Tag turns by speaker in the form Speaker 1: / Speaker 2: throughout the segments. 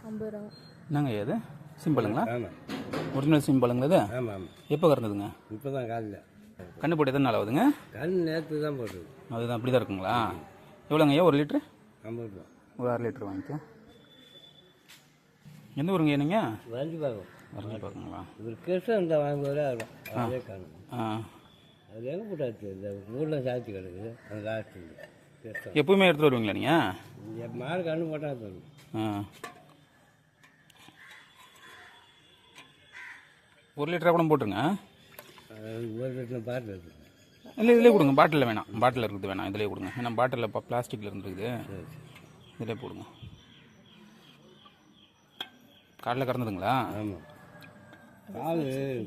Speaker 1: 50 ரூபா.
Speaker 2: என்னங்க இது சிம்பிளுங்களா?
Speaker 3: ஆமாம்.
Speaker 2: ஒரிஜினல் சிம்பிளுங்களா இது?
Speaker 3: ஆமாம் ஆமாம்.
Speaker 2: எப்போ கறந்ததுங்க?
Speaker 3: இப்போ தான் காலையில்.
Speaker 2: கண்ணு போட்டு எத்தனை நாள் ஆகுதுங்க?
Speaker 3: நேற்று தான் போட்டது.
Speaker 2: அதுதான் அப்படி தான் இருக்குங்களா? எவ்வளோங்க ஐயா 1 லிட்ரு?
Speaker 3: 50 ரூபா.
Speaker 2: ஒரு 1/2 லிட்ரு வாங்கிக்க. எந்த ஊருங்க நீங்கள்?
Speaker 3: வரைஞ்சி பார்க்கும்.
Speaker 2: வரைஞ்சி பார்க்குங்களா?
Speaker 3: இவர் கிருஷ்ணன் இந்த வாங்குவதே ஆகும். அதே காணும். அது எங்கே போட்டாச்சு? இந்த ஊரில் சாய்ச்சி கிடக்குது அந்த லாஸ்ட்டு கிருஷ்ணன்.
Speaker 2: எப்பவுமே எடுத்துகிட்டு வருவீங்களா நீங்கள்?
Speaker 3: இங்கே மாடு கண்ணு போட்டால் தரும்.
Speaker 2: ஒரு லிட்டராக கூட போட்டுருங்க.
Speaker 3: ஒரு லிட்டர் பாட்டில் இருக்குது.
Speaker 2: இல்லை இதிலே கொடுங்க. பாட்டிலில் வேணாம். பாட்டில் இருக்குது வேணாம். இதிலே கொடுங்க. ஏன்னா பாட்டிலில் இப்போ பிளாஸ்டிக்கில் இருந்துருக்குது. இதிலே போடுங்க. காலைல கறந்ததுங்களா?
Speaker 3: ஆமாம். கால்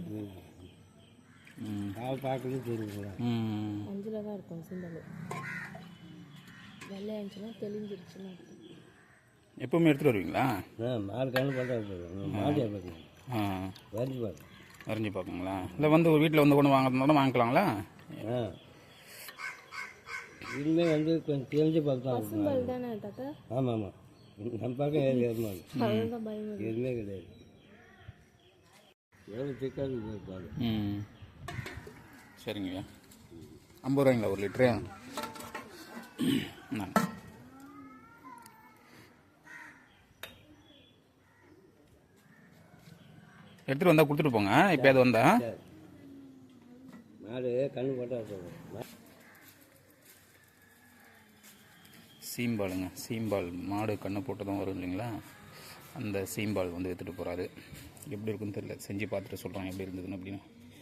Speaker 3: பார்க்கணும் தெரியுங்களா?
Speaker 1: மஞ்சளாக தான் இருக்கும் சிம்பிள். வெள்ளை இருந்துச்சுன்னா தெளிஞ்சிருச்சுன்னா.
Speaker 2: எப்பவுமே எடுத்துகிட்டு வருவீங்களா?
Speaker 3: மாடு கண்ணு போட்டால் மாடியாக பார்க்கணும். வரைஞ்சி பார்க்கணும்.
Speaker 2: வரைஞ்சி பார்க்குங்களா? இல்லை வந்து ஒரு வீட்டில் வந்து கொண்டு வாங்குறதுனால வாங்கிக்கலாங்களா?
Speaker 3: இனிமே வந்து கொஞ்சம் தெரிஞ்சு பார்த்தா
Speaker 1: பசும்பால் தானே தாத்தா?
Speaker 3: ஆமாம் ஆமாம். நம்ம பக்கம் எதுவுமே கிடையாது. எவ்வளோ திக்காக இருப்பாங்க.
Speaker 2: சரிங்க. 50 ரூபாய்ங்களா 1 லிட்ரு? எடுத்துகிட்டு வந்தால் கொடுத்துட்டு போங்க. இப்போ அது வந்தா
Speaker 3: மாடு கண்ணு போட்டால்
Speaker 2: சீம்பாலுங்க. சீம்பால் மாடு கண்ணு போட்டு தான் வரும் இல்லைங்களா? அந்த சீம்பால் வந்து எடுத்துகிட்டு போகிறாரு. எப்படி இருக்குன்னு தெரியல. செஞ்சு பார்த்துட்டு சொல்கிறேன் எப்படி இருந்ததுன்னு அப்படின்னு.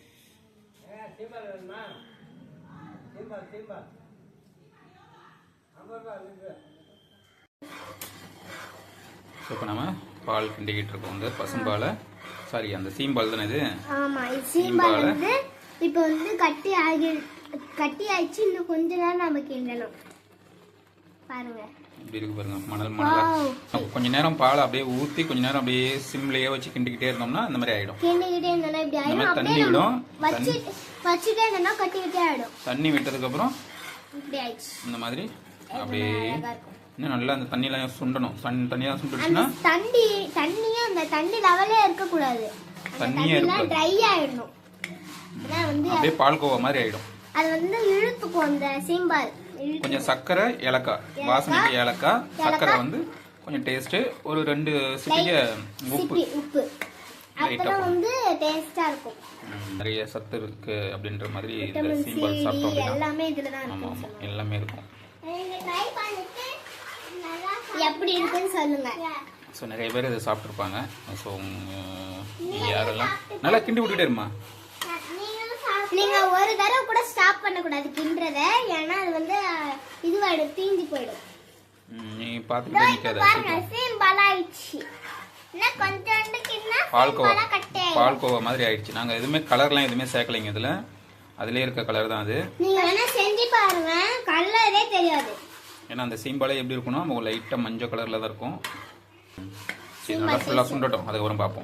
Speaker 2: இப்போ நம்ம பால் கிண்டிக்கிட்டு இருக்கோம். வந்து பசும்பாலை சாரி அந்த சீம்பால் தானே இது?
Speaker 4: ஆமா, சீம்பால் வந்து இப்போ வந்து கட்டி ஆயிடுச்சு. இன்னும் கொஞ்ச நேரம் நம்ம கிண்டணும். பாருங்க
Speaker 2: இப்படி இருக்கு பாருங்க. மணல் கொஞ்ச நேரம் பால் அப்படியே ஊற்றி கொஞ்ச நேரம் அப்படியே சிம்லேயே வச்சு கிண்டிக்கிட்டே இருந்தோம்னா இந்த மாதிரி ஆயிடும்.
Speaker 4: கிண்டிக்கிட்டே இருந்தோம்னா இப்படி ஆயிடும்.
Speaker 2: தண்ணி விடும்.
Speaker 4: வச்சுட்டே இருந்தோம்னா கட்டிக்கிட்டே ஆயிடும்.
Speaker 2: தண்ணி விட்டதுக்கு அப்புறம்
Speaker 4: இப்படி ஆயிடுச்சு.
Speaker 2: இந்த மாதிரி அப்படியே இன்னும் நல்லா அந்த தண்ணியெல்லாம் சுண்டணும். தண்ணியெல்லாம் சுண்டுச்சுன்னா
Speaker 4: தண்ணியே அந்த தண்ணி லெவலே இருக்க கூடாது.
Speaker 2: தண்ணியே இருக்க
Speaker 4: ட்ரை ஆயிடணும்.
Speaker 2: அப்படியே பால்கோவா மாதிரி ஆயிடும்.
Speaker 4: அது வந்து இழுத்துக்கும் அந்த சீம்பால்.
Speaker 2: கொஞ்சம் சர்க்கரை ஏலக்காய் வாசனைக்கு ஏலக்காய் சர்க்கரை வந்து கொஞ்சம் டேஸ்ட் ஒரு 2 சிட்டிகை
Speaker 4: உப்பு அப்பதான் வந்து டேஸ்டா இருக்கும்.
Speaker 2: நிறைய சத்து இருக்கு அப்படின்ற மாதிரி இந்த சீம்பால் சாப்பிட்டோம்
Speaker 4: எல்லாமே இதுல தான்
Speaker 2: ஆமா ஆமா எல்லாமே இருக்கும்.
Speaker 4: ட்ரை பண்ணிட்டு எப்படி இருக்குன்னு சொல்லுங்க.
Speaker 2: ஸோ நிறைய பேர் இதை சாப்பிட்ருப்பாங்க. ஸோ யாரெல்லாம் நல்லா கிண்டி விட்டுட்டே இருமா.
Speaker 4: நீங்க ஒரு தடவை கூட ஸ்டாப் பண்ண கூடாது கிண்டறத. ஏன்னா அது வந்து இதுவாயிடும், தீஞ்சு போயிடும்.
Speaker 2: நீ பாத்துட்டே நிக்காத.
Speaker 4: பாருங்க சீம்பால் ஆயிடுச்சு. நான் கொஞ்சோண்டு கிண்ணா
Speaker 2: பால்கோவா மாதிரி ஆயிடுச்சு. நாங்க எதுவுமே கலர்லாம் எதுவுமே சேர்க்கலைங்க இதுல. அதுலயே இருக்க கலர் தான் அது.
Speaker 4: நீங்க வேணா செஞ்சு பாருங்க, கலரே தெரியாது.
Speaker 2: ஏன்னா அந்த சீம்பாலே எப்படி இருக்கும்னா நமக்கு லைட்டா மஞ்சள் கலர்ல தான் இருக்கும். சரி நல்லா ஃபுல்லா சுண்டட்டும், அதுக்கப்புறம் பார்ப்போம்.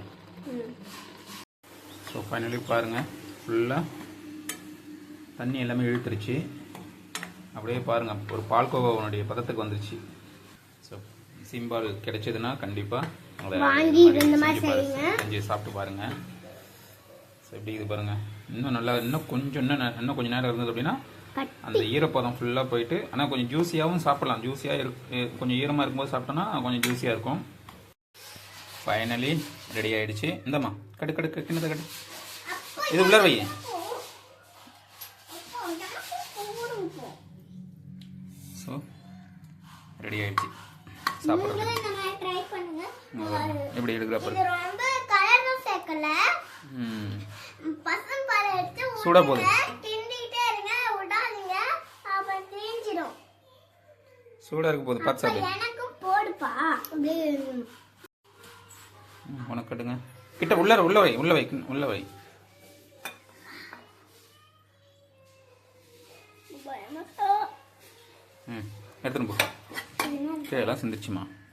Speaker 2: ஸோ ஃபைனலி பாருங்க ஃபுல்லா தண்ணி எல்லாமே இழுத்துருச்சு. அப்படியே பாருங்க ஒரு பால்கோவாவுடைய பதத்துக்கு வந்துருச்சு. ஸோ சீம்பால் கிடைச்சதுன்னா கண்டிப்பாக செஞ்சு சாப்பிட்டு பாருங்க. ஸோ எப்படி இது பாருங்க. இன்னும் கொஞ்சம் நேரம் இருந்தது அப்படின்னா அந்த ஈரப்பதம் ஃபுல்லாக போயிட்டு, ஆனால் கொஞ்சம் ஜூஸியாகவும் சாப்பிடலாம். ஜூஸியாக கொஞ்சம் ஈரமாக இருக்கும்போது சாப்பிட்டோன்னா கொஞ்சம் ஜூஸியாக இருக்கும். ஃபைனலி ரெடி ஆயிடுச்சு. இந்தம்மா கடு கிண்ணத்தை கட்டு. இது உள்ள வை. ஸோ ரெடி ஆயிடுச்சு. சாப்பிட்றது எப்படி எடுக்கிறப்ப சூடா போகுது. சூடா இருக்கு போகுது. பார்த்து சாப்பிடு. உனக்கு கட்டுங்க. கிட்ட உள்ள வை. எடுத்துன்னு போ. எல்லாம் சிந்திச்சுமா.